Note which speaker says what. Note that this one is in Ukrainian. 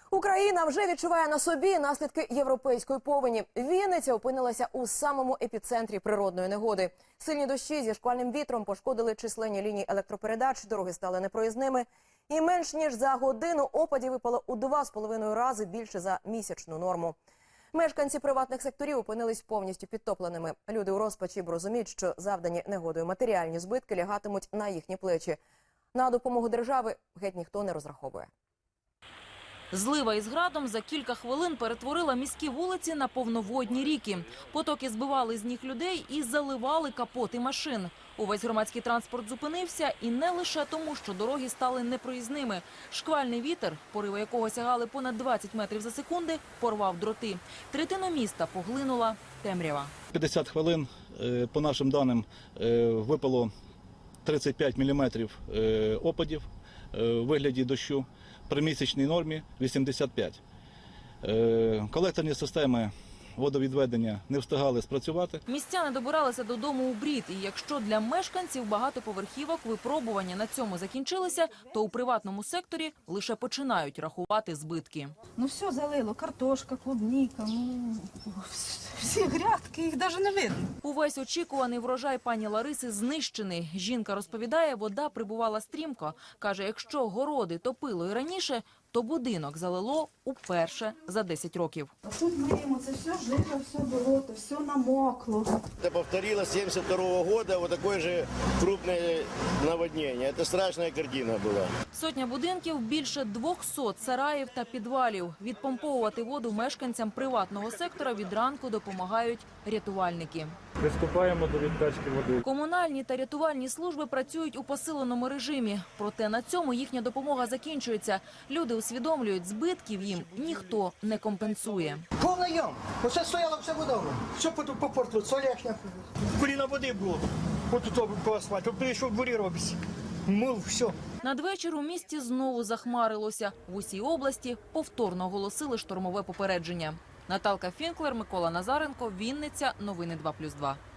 Speaker 1: Україна вже відчуває на собі наслідки європейської повені. Вінниця опинилася у самому епіцентрі природної негоди. Сильні дощі зі шквальним вітром пошкодили численні лінії електропередач, дороги стали непроїзними. І менш ніж за годину опадів випало у 2,5 рази більше за місячну норму. Мешканці приватних секторів опинились повністю підтопленими. Люди у розпачі розуміють, що завдані негодою матеріальні збитки лягатимуть на їхні плечі. На допомогу держави геть ніхто не розраховує.
Speaker 2: Злива із градом за кілька хвилин перетворила міські вулиці на повноводні ріки. Потоки збивали з ніг людей і заливали капоти машин. Увесь громадський транспорт зупинився, і не лише тому, що дороги стали непроїзними. Шквальний вітер, пориви якого сягали понад 20 метрів за секунди, порвав дроти. Третину міста поглинула темрява.
Speaker 3: 50 хвилин, по нашим даним, випало 35 міліметрів опадів у вигляді дощу. При місячній нормі 85. Колекторні системи водовідведення не встигали спрацювати.
Speaker 2: Містяни добиралися додому у брід. І якщо для мешканців багатоповерхівок випробування на цьому закінчилися, то у приватному секторі лише починають рахувати збитки.
Speaker 4: Ну все залило, картошка, клубніка, всі грядки, їх навіть не видно.
Speaker 2: Увесь очікуваний врожай пані Лариси знищений. Жінка розповідає, вода прибувала стрімко. Каже, якщо городи топило і раніше, то будинок залило уперше за 10 років.
Speaker 4: А тут мимо, це все жито, все болото, все намокло.
Speaker 5: Это повторилось 72 года, вот такое же крупное наводнение. Это страшная картина была.
Speaker 2: Сотня будинків, більше 200 сараїв та підвалів. Відпомповувати воду мешканцям приватного сектора від ранку допомагають рятувальники.
Speaker 6: Приступаємо до відкачки води.
Speaker 2: Комунальні та рятувальні служби працюють у посиленому режимі. Проте на цьому їхня допомога закінчується. Люди усвідомлюють, збитків їм ніхто не компенсує.
Speaker 7: Повний ям. Оце стояла вся вода. Все попортило, соляшня. Коліна води було. Отут по асфальту. Прийшов в дворі робиться. Мил, все.
Speaker 2: Надвечір у місті знову захмарилося. В усій області повторно оголосили штормове попередження. Наталка Фінклер, Микола Назаренко, Вінниця. Новини 2+2.